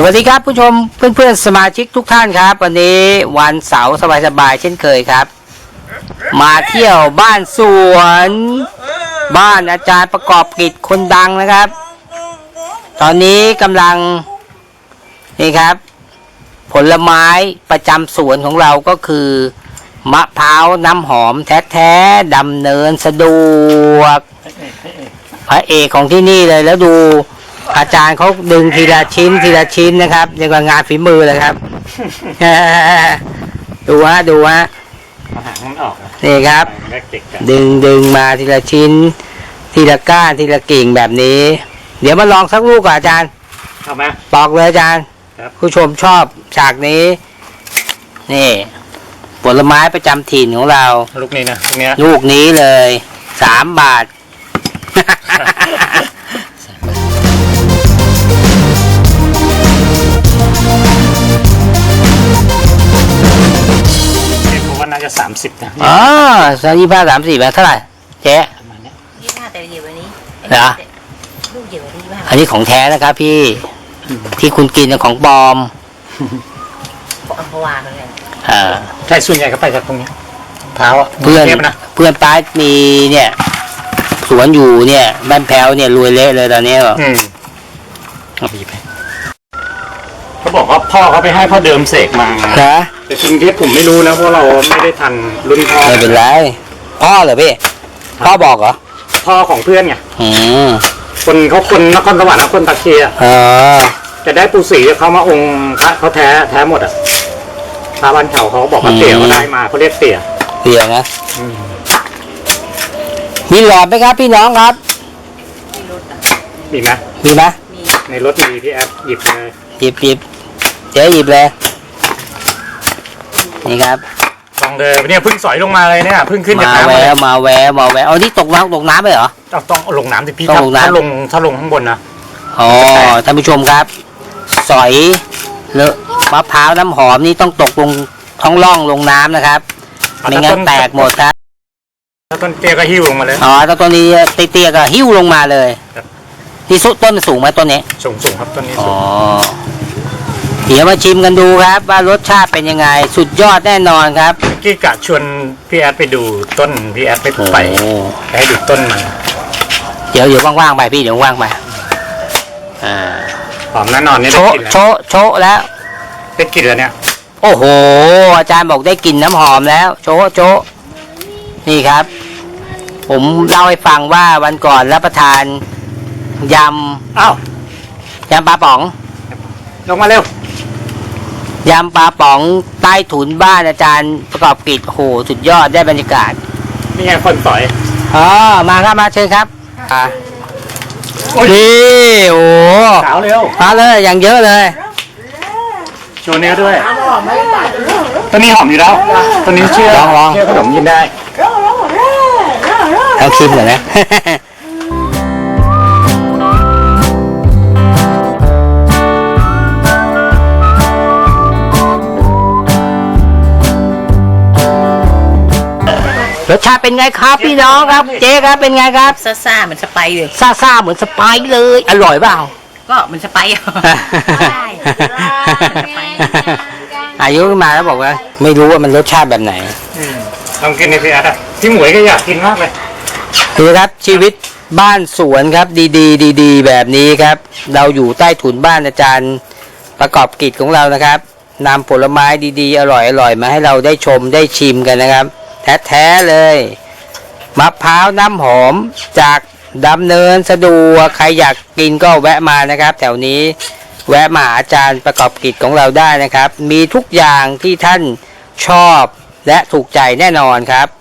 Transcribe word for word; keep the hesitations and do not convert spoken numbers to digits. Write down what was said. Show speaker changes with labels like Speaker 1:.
Speaker 1: วัสดีครับผู้ชมเพื่อนๆสมาชิกทุกท่านครับวันนี้วันเสาร์สบายๆเช่นเคยครับมาเที่ยวบ้านสวนบ้านอาจารย์ประกอบกิจคนดังนะครับตอนนี้กำลังนี่ครับผลไม้ประจำสวนของเราก็คือมะพร้าวน้ำหอมแท้ๆดำเนินสะดวกพระเอกของที่นี่เลยแล้วดูอาจารย์เขาดึงทีละชิ้นทีละชิ้นนะครับเรียกว่างานฝีมือเลยครับ ดูฮะดูฮะนี่ครับดึงดึงมาทีละชิ้นทีละก้านทีละกิ่งแบบนี้เดี๋ยวมาลองสักลูกก่อนอาจารย์เอาไหมบอกเลยอาจารย์ผู้ชมชอบฉากนี้นี่ผลไม้ประจำถิ่นของเราลูกนี้นะลูกนี้ลูกนี้เลยสามบาทน่าจะสามสิบนะอ๋อสามยี่ห้าสามสี่แบบเท่าไหร่เจ๊ยี่ห้าแต่เดี๋ยววันนี้เหรอลูกเดี๋ยววันนี้ยี่ห้าอันนี้ของแท้นะครับพี่ที่คุณกินของปลอมอัมพวาเขาเนี่ยอ่าใช่ส่วนใหญ่ก็ไปจากตรงนี้เท้าเพื่อนเพื่อนป้ามีเนี่ยสวนอยู่เนี่ยบ้านแพ้วเนี่ยรวยเละเลยตอนนี้ก็อืมเอาไปเขาบอกว่าพ่อเขาไปให้พ่อเดิมเสกมาครับแต่จริงที่ผมไม่รู้นะเพราะเราไม่ได้ทันรุ่นพ่อไม่เป็นไรพ่อเหรอพี่พ่อบอกเหรอพ่อของเพื่อนไงอืมคนเขาคนนครสวรรค์นะคนตะเคียนอ๋อจะได้ปูสีเขามาองค์พระเขาแท้แท้หมดอ่ะพระบ้านเขาเขาบอกว่าเตี่ยเขาได้มาเขาเรียกเตี่ยเตี่ยนะมีหลอดไหมครับพี่น้องครับมีไหมมีไหมในรถมีพี่แอฟหยิบเลยหยิบหยิบเจ๊หยิบเลยนี่ครับลองเลยเนี่ยพึ่งสอยลงมาเลยเนี่ยพึ่งขึ้นจากน้ำมาแววมาแววมาแววเอาที่ตกน้ำตกน้ำไปเหรอต้องต้องลงน้ำสิพี่ถ้าลงถ้าลงข้างบนนะอ๋อท่านผู้ชมครับสอยเลอะมะพร้าวน้ำหอมนี่ต้องตกลงท้องร่องลงน้ำนะครับไม่งั้นแตกหมดครับถ้าต้นเตี้ยก็หิ้วลงมาเลยอ๋อถ้าต้นนี้เตี้ยก็หิ้วลงมาเลยที่สุดต้นสูงไหมต้นนี้สูงสูงครับต้นนี้สูงเดี๋ยวมาชิมกันดูครับว่ารสชาติเป็นยังไงสุดยอดแน่นอนครับกี้กะชวนพี่แอดไปดูต้นพี่แอดไปไปให้ดูต้นมันเดี๋ยวเดี๋ยวว่างๆไปพี่เดี๋ยวว่างไปอ่าหอมแน่นอนนี่ได้กลิ่นแล้วโชโชแล้วได้กลิ่นแล้วเนี่ยโอ้โหอาจารย์บอกได้กลิ่นน้ำหอมแล้วโชโชนี่ครับผมเล่าให้ฟังว่าวันก่อนรับประทานยำอ้าวยำปลาป๋องลงมาเร็วยำปลาป๋องใต้ถุนบ้านอาจารย์ประกอบกิจโอ้โหสุดยอดได้บรรยากาศนี่ไงคนสอยอ๋อมาครับมาเชิญครับอ่านี่โอ้สาวเร็วมาเลยอย่างเยอะเลยโชว์เนื้อด้วยตัวนี้หอมอยู่แล้วตัวนี้เชื่อลองลองเชื่อขนมกินได้เอาชิมหน่อยนะรสชาติเป็นไงครับพี่น้องครับเจ๊ครับเป็นไงครับซ่าซ่าเหมือนสไปเลยซ่าซ่าเหมือนสไปเลยอร่อยเปล่าก็เหมือนสไปได้อายุขึ้นมาแล้วบอกว่าไม่รู้ว่ามันรสชาติแบบไหนลองกินในพี่อาร์ตพี่หมวยก็อยากกินมากเลยนี่ครับชีวิตบ้านสวนครับดีๆดีๆแบบนี้ครับเราอยู่ใต้ถุนบ้านอาจารย์ประกอบกิจของเรานะครับนำผลไม้ดีๆอร่อยๆมาให้เราได้ชมได้ชิมกันนะครับแท้ๆเลยมะพร้าวน้ำหอมจากดำเนินสะดวกใครอยากกินก็แวะมานะครับแถวนี้แวะมาอาจารย์ประกอบกิจของเราได้นะครับมีทุกอย่างที่ท่านชอบและถูกใจแน่นอนครับ